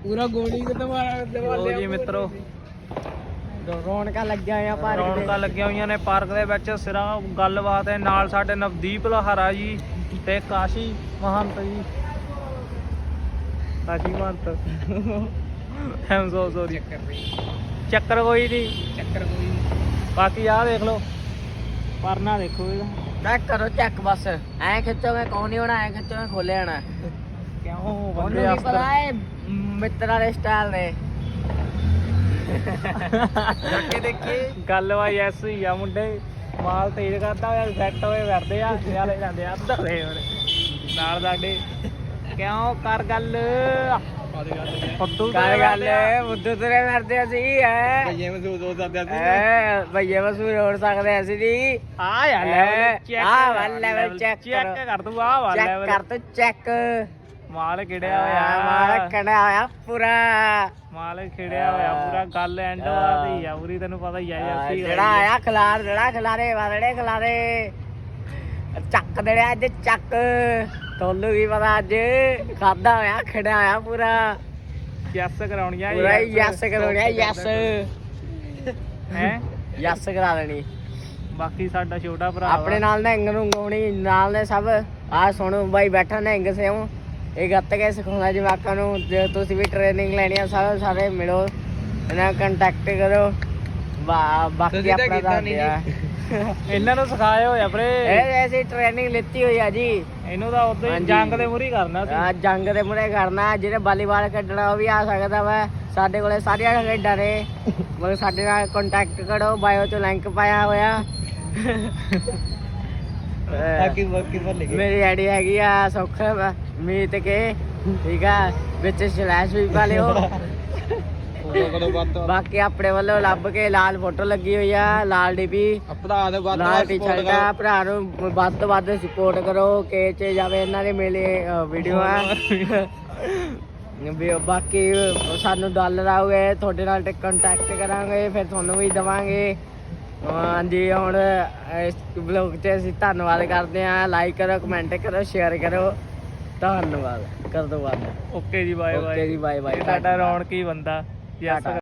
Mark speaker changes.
Speaker 1: ਪੂਰਾ ਗੋਲੀ ਤੇ
Speaker 2: ਲੋ ਜੀ ਮਿੱਤਰੋ
Speaker 1: ਰੌਣਕਾਂ ਲੱਗੀਆਂ ਹੋਈਆਂ ਪਾਰਕ
Speaker 2: ਰੌਣਕਾਂ ਲੱਗੀਆਂ ਹੋਈਆਂ ਨੇ ਪਾਰਕ ਦੇ ਵਿੱਚ। ਸਿਰਾਂ ਗੱਲਬਾਤ ਹੈ ਨਾਲ ਸਾਡੇ ਨਵਦੀਪ ਲਹਾਰਾ ਜੀ ਤੇ Kashi Mahant ji. Kashi Mahant I'm so sorry. ਚੱਕਰ ਕੋਈ ਨਹੀਂ,
Speaker 1: ਚੱਕਰ ਕੋਈ
Speaker 2: ਬਾਕੀ ਆਹ ਦੇਖ ਲਓ ਪਰਨਾ ਦੇਖੋ ਇਹਦਾ।
Speaker 1: ਚੈੱਕ ਕਰੋ, ਚੈੱਕ ਬਸ ਐ ਖਿੱਚੋਗੇ ਕੌਣ ਨਹੀਂ ਹੋਣਾ, ਐ ਖਿੱਚੋਗੇ ਖੋਲੇ ਜਾਣਾ।
Speaker 2: ਕਿਉਂ
Speaker 1: ਉਹਨੂੰ
Speaker 2: ਬੰਦੇ
Speaker 1: ਕੀ ਪਤਾ ਹੈ ਮਿੱਤਰਾਂ ਦੇ ਸਟਾਈਲ ਨੇ। ਕੇ ਦੇਖੀ
Speaker 2: ਗੱਲ ਵਾ ਐਸ ਹੀ ਆ ਮੁੰਡੇ ਮਾਲ ਤੇਜ਼ ਕਰਦਾ ਹੋਇਆ ਸੈੱਟ ਹੋਏ ਫਿਰਦੇ ਆ ਨਾਲੇ ਜਾਂਦੇ ਆ ਅੱਧਰ ਦੇ ਹੁਣ ਨਾਲ ਸਾਡੇ। ਕਿਉਂ ਕਰ ਗੱਲ ਫੁੱਦੂ
Speaker 1: ਕਰ ਗੱਲ ਮੁੱਦੂ ਤੇਰੇ ਫਿਰਦੇ ਅਸੀਂ ਐ
Speaker 2: ਭਈਏ ਮਸੂਦ ਹੋ ਸਕਦੇ
Speaker 1: ਐ ਭਈਏ ਮਸੂਰ ਹੋ ਸਕਦੇ ਅਸੀਂ ਨਹੀਂ।
Speaker 2: ਆ ਯਾਰ ਲੈਵਲ
Speaker 1: ਆਹ ਵਾਲਾ ਲੈਵਲ ਚੈੱਕ
Speaker 2: ਕਰ ਤੂੰ ਆਹ ਵਾਲਾ
Speaker 1: ਚੈੱਕ ਕਰ ਤੂੰ ਚੈੱਕ।
Speaker 2: ਮਾਲ ਖਿੜਿਆ ਹੋਇਆ
Speaker 1: ਮਾਲ ਕੜਿਆ ਹੋਇਆ ਪੂਰਾ,
Speaker 2: ਮਾਲ ਖਿੜਿਆ ਹੋਇਆ ਪੂਰਾ। ਗੱਲ ਐਂਡ ਵਾਦੀ ਆ ਪੂਰੀ, ਤੈਨੂੰ ਪਤਾ ਹੀ ਆ ਯਾਰ।
Speaker 1: ਜਿਹੜਾ ਆਇਆ ਖਿਲਾਰ ਜਿਹੜਾ ਖਿਲਾਰੇ ਵਾਲੇ ਖਿਲਾਰੇ ਚੱਕ ਦੇੜਿਆ ਅੱਜ ਚੱਕ। ਤੁਹਾਨੂੰ ਕੀ ਪਤਾ ਅੱਜ ਖਾਦਾ ਹੋਇਆ ਖੜਿਆ ਹੋਇਆ ਪੂਰਾ
Speaker 2: ਯੈਸ ਕਰਾਉਣੀਆਂ
Speaker 1: ਪੂਰਾ ਯੈਸ ਕਰਾਉਣਿਆ ਯੈਸ
Speaker 2: ਹੈ
Speaker 1: ਯੈਸ ਕਰਾ ਦੇਣੀ।
Speaker 2: ਬਾਕੀ ਸਾਡਾ ਛੋਟਾ ਭਰਾ
Speaker 1: ਆਪਣੇ ਨਾਲ ਨਿਹੰਗ ਨੂੰ ਗਾਉਣੀ ਨਾਲ ਨੇ ਸਭ। ਆਹ ਸੁਣੋ ਬਾਈ ਬੈਠਾ ਨਿਹੰਗ ਸਿਓ ਇਹ ਗੱਤ ਕੇ ਸਿਖਾਉਂਦਾ ਜਵਾਕਾਂ ਨੂੰ। ਜੇ ਤੁਸੀਂ ਵੀ ਟ੍ਰੇਨਿੰਗ ਲੈਣੀ ਆ ਸਾਰੇ ਮਿਲੋ ਇਹਨਾਂ ਨਾਲ ਕੰਟੈਕਟ ਕਰੋ। ਬਾਕੀ ਆਪਣਾ ਦੱਸਦੇ ਆ
Speaker 2: ਇਹਨਾਂ ਨੂੰ ਸਿਖਾਇਆ ਹੋਇਆ ਵੀਰੇ।
Speaker 1: ਇਹ ਐਸੀ ਟ੍ਰੇਨਿੰਗ ਲਿੱਤੀ ਹੋਈ ਆ ਜੀ।
Speaker 2: ਇਹਨੂੰ ਤਾਂ ਉਦੋਂ ਹੀ ਜੰਗ ਦੇ ਮੂਹਰੇ ਕਰਨਾ ਸੀ।
Speaker 1: ਆ ਜੰਗ ਦੇ ਮੂਹਰੇ ਕਰਨਾ। ਜਿਹਨੇ ਵਾਲੀਬਾਲ ਖੇਡਣਾ ਉਹ ਵੀ ਆ ਸਕਦਾ ਵਾ। ਸਾਡੇ ਕੋਲੇ ਸਾਰੀਆਂ ਖੇਡਾਂ ਨੇ, ਮਗਰ ਸਾਡੇ ਨਾਲ ਕੰਟੈਕਟ ਕਰੋ। ਬਾਇਓ ਚ ਲਿੰਕ ਪਾਇਆ ਹੋਇਆ। ਮੇਰੀ ਆਈਡੀ ਹੈਗੀ ਆ ਸੁੱਖ ਮੀਤ ਕੇ, ਠੀਕ ਆ, ਵਿੱਚ ਸਲੈਸ਼ ਵੀ ਪਾ ਲਿਓ। ਬਾਕੀ ਆਪਣੇ ਵੱਲੋਂ ਲੱਭ ਕੇ ਲਾਲ ਫੋਟੋ ਲੱਗੀ ਹੋਈ ਆ, ਲਾਲ ਡੀਪੀ, ਲਾਲ ਟੀ-ਸ਼ਰਟ ਆ। ਭਰਾ ਨੂੰ ਵੱਧ ਤੋਂ ਵੱਧ ਸਪੋਰਟ ਕਰੋ। ਕੇ ਚ ਜਾਵੇ ਇਹਨਾਂ ਦੇ ਮੇਲੇ ਵੀਡੀਓ ਆ। ਬਾਕੀ ਸਾਨੂੰ ਡਾਲਰ ਆਉਗੇ ਤੁਹਾਡੇ ਨਾਲ ਕੰਟੈਕਟ ਕਰਾਂਗੇ, ਫਿਰ ਤੁਹਾਨੂੰ ਵੀ ਦੇਵਾਂਗੇ। ਹਾਂਜੀ ਹੁਣ ਇਸ ਬਲੌਗ 'ਚ ਅਸੀਂ ਧੰਨਵਾਦ ਕਰਦੇ ਹਾਂ। ਲਾਈਕ ਕਰੋ, ਕਮੈਂਟ ਕਰੋ, ਸ਼ੇਅਰ ਕਰੋ। ਧੰਨਵਾਦ ਕਰ ਦੋ ਬਾਅਦ।
Speaker 2: ਓਕੇ ਜੀ ਬਾਏ ਬਾਏ।
Speaker 1: ਓਕੇ ਜੀ ਬਾਏ ਬਾਏ।
Speaker 2: ਸਾਡਾ ਰੌਣਕੀ ਬੰਦਾ ਯੈਸ।